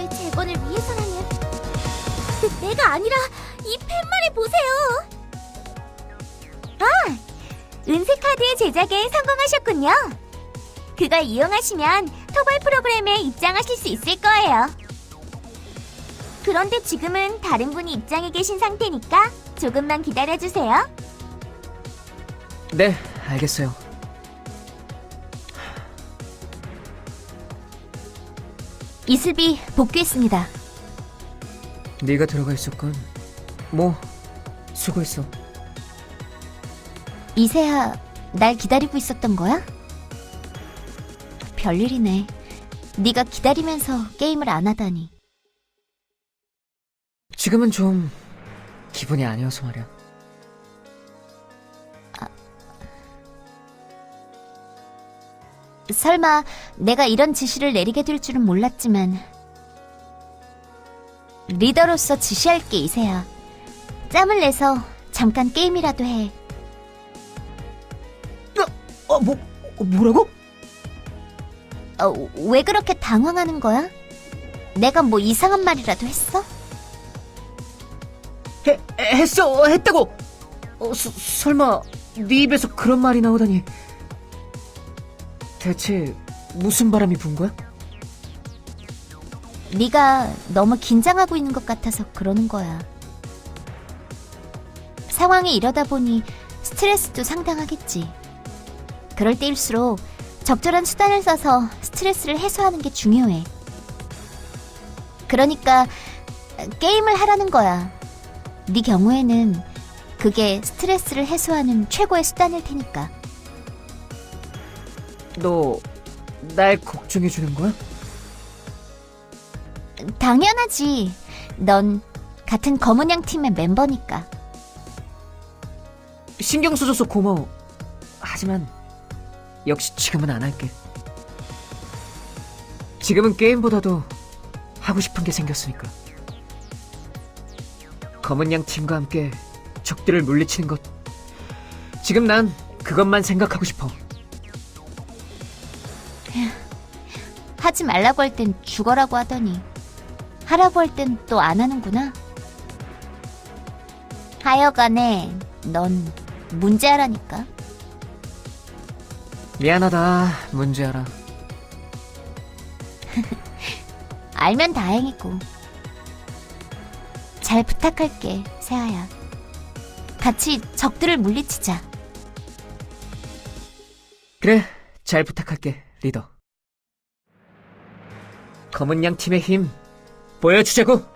나라의 재건을 위해서라면 내가 아니라 이 팻말을 보세요. 아, 은색 카드 제작에 성공하셨군요. 그걸 이용하시면 토벌 프로그램에 입장하실 수 있을 거예요. 그런데 지금은 다른 분이 입장해 계신 상태니까 조금만 기다려주세요. 네, 알겠어요. 이슬비 복귀했습니다. 네가 들어가 있었군. 뭐, 수고했어. 이세아, 날 기다리고 있었던 거야? 별일이네. 네가 기다리면서 게임을 안 하다니. 지금은 좀 기분이 아니어서 말이야. 설마 내가 이런 지시를 내리게 될 줄은 몰랐지만 리더로서 지시할게, 이세아. 짬을 내서 잠깐 게임이라도 해. 뭐라고? 왜 그렇게 당황하는 거야? 내가 뭐 이상한 말이라도 했어? 했다고! 설마 네 입에서 그런 말이 나오다니. 대체 무슨 바람이 분 거야? 네가 너무 긴장하고 있는 것 같아서 그러는 거야. 상황이 이러다 보니 스트레스도 상당하겠지. 그럴 때일수록 적절한 수단을 써서 스트레스를 해소하는 게 중요해. 그러니까 게임을 하라는 거야. 네 경우에는 그게 스트레스를 해소하는 최고의 수단일 테니까. 너 날 걱정해주는 거야? 당연하지. 넌 같은 검은 양 팀의 멤버니까. 신경 써줘서 고마워. 하지만 역시 지금은 안 할게. 지금은 게임보다도 하고 싶은 게 생겼으니까. 검은 양 팀과 함께 적들을 물리치는 것. 지금 난 그것만 생각하고 싶어. 하지 말라고 할 땐 죽어라고 하더니 하라고 할 땐 또 안 하는구나. 하여간에 넌 문제아라니까. 미안하다, 문제아라. 알면 다행이고. 잘 부탁할게, 세아야. 같이 적들을 물리치자. 그래, 잘 부탁할게, 리더. 검은 양 팀의 힘 보여주자고.